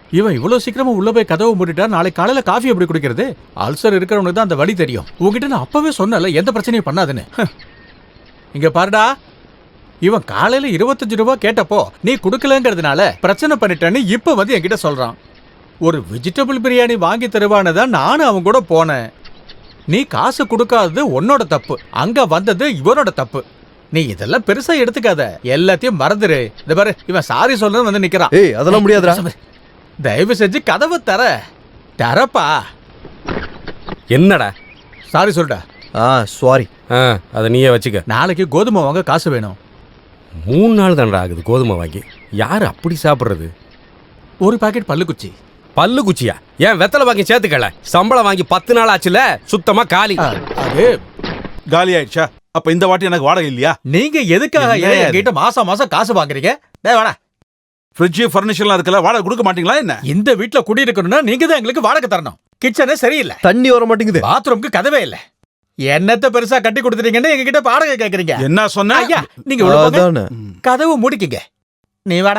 இவன் இவ்வளவு சீக்கிரமா உள்ள போய் கதவை மூடிட்டா நாளைக்கு காலையில காஃபி எப்படி குடிக்கிறது? அல்சர் இருக்கிறவனுக்கு தான் அந்த வழி தெரியும். உங்ககிட்ட நான் அப்பவே சொன்னல எந்த பிரச்சனையும் பண்ணாதுன்னு. இங்க பாருடா, இவன் காலையில 25 ரூபாய் கேட்டப்போ நீ குடுக்கலங்கிறதுனால பிரச்சனை பண்ணிட்டேன்னு இப்ப வந்து என்கிட்ட சொல்றான். ஒரு வெஜிடபிள் பிரியாணி வாங்கி தருவானதான் நானும் அவன் கூட போனேன். நீ காசு கொடுக்காதது உன்னோட தப்பு, அங்க வந்தது இவனோட தப்பு. நீ இதெல்லாம் பெருசா எடுத்துக்காத, எல்லாத்தையும் மறந்துரு. இந்த பாரு, இவன் சாரி சொல்றது வந்து நிக்கிறான். ஏய் அதெல்லாம் முடியாதுடா. தயவு செஞ்சு கதவை தரப்பா. என்னடா சாரி சொல்டா. சாரி. அதை நீயே வச்சுக்க. நாளைக்கு கோதுமை வாங்க காசு வேணும். 3 நாள் தான்டா ஆகுது கோதுமை வாங்கி. யார் அப்படி சாப்பிட்றது? ஒரு பாக்கெட் பல்லுக்குச்சி. பல்லு குச்சியா? ஏன் வெத்தலை வாங்கி சேர்த்துக்கல? சம்பளம் வாங்கி 10 நாள் ஆச்சுல, சுத்தமா காலி. அது காலி ஆயிடுச்சா? அப்ப இந்த வாட்டி எனக்கு வாடகை இல்லையா? நீங்க எதுக்காக என்கிட்ட மாசம் மாசம் காசு வாங்குறீங்க? வாடா. ஃப்ரிட்ஜ் ஃபர்னிச்சர்லாம் இருக்கல, வாடகை கொடுக்க மாட்டீங்களா என்ன? இந்த வீட்ல குடியிருக்கணும்னா நீங்க தான் எங்களுக்கு வாடகை தரணும். கிச்சனே சரியில்லை, தண்ணி வர மாட்டேங்குது, பாத்ரூம்க்கு கதவே இல்ல. என்னத்த பெருசா கட்டி கொடுத்துட்டீங்கன்னு எங்க கிட்ட வாடகை கேக்குறீங்க. என்ன சொன்ன? ஐயா நீங்க உள்ள போங்க, கதவு மூடிக்கங்க. நீ வாடா.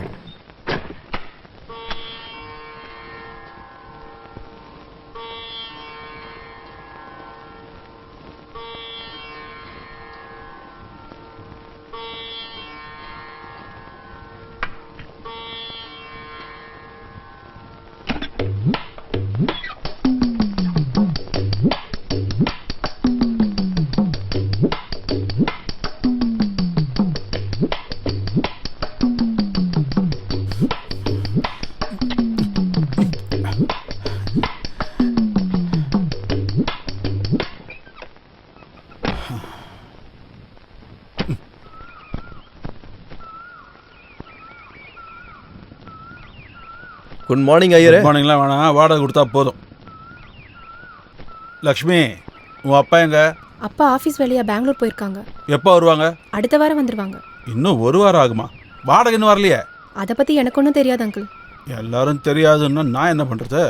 குட் மார்னிங் ஐயரே. மார்னிங்லாம் வேணாம், வாடகை கொடுத்தா போதும். லக்ஷ்மி, உன் அப்பா எங்க? அப்பா ஆஃபீஸ் வேலையா பெங்களூர் போயிருக்காங்க. எப்போ வருவாங்க? அடுத்த வாரம் வந்துருவாங்க. இன்னும் 1 வாரம் ஆகுமா? வாடகை இன்னும் வரலையே? அதை பத்தி எனக்கு ஒன்றும் தெரியாது அங்கிள். எல்லாரும் தெரியாதுன்னா நான் என்ன பண்றது?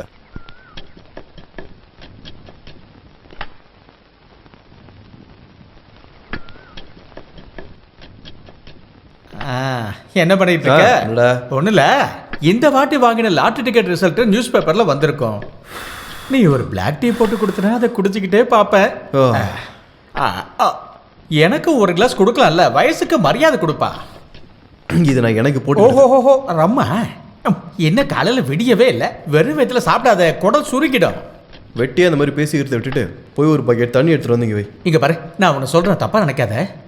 என்ன பண்ணிட்டு இருக்க? ஒண்ணுல, இந்த வாட்டி வாங்கின லாட்டரி டிக்கெட் ரிசல்ட் நியூஸ் பேப்பர்ல வந்திருக்கும். நீ ஒரு பிளாக் டீ போட்டு கொடுத்தனா அதை குடிச்சுக்கிட்டே பாப்பேன். எனக்கு ஒரு கிளாஸ் கொடுக்கலாம்ல, வயசுக்கு மரியாதை கொடுப்பா. இது நான் எனக்கு போட்டு. ஓஹோ ரம்மா, என்ன காலையில விடியவே இல்லை, வெறும் வயிற்றுல சாப்பிடாத, குடல் சுருக்கிடும். வெட்டியே அந்த மாதிரி பேசிக்கிறத விட்டுட்டு போய் ஒரு பக்கெட் தண்ணி எடுத்துட்டு வந்தீங்க வை. இங்க பாரு, நான் உன்னை சொல்றேன், தப்பா நினைக்காத.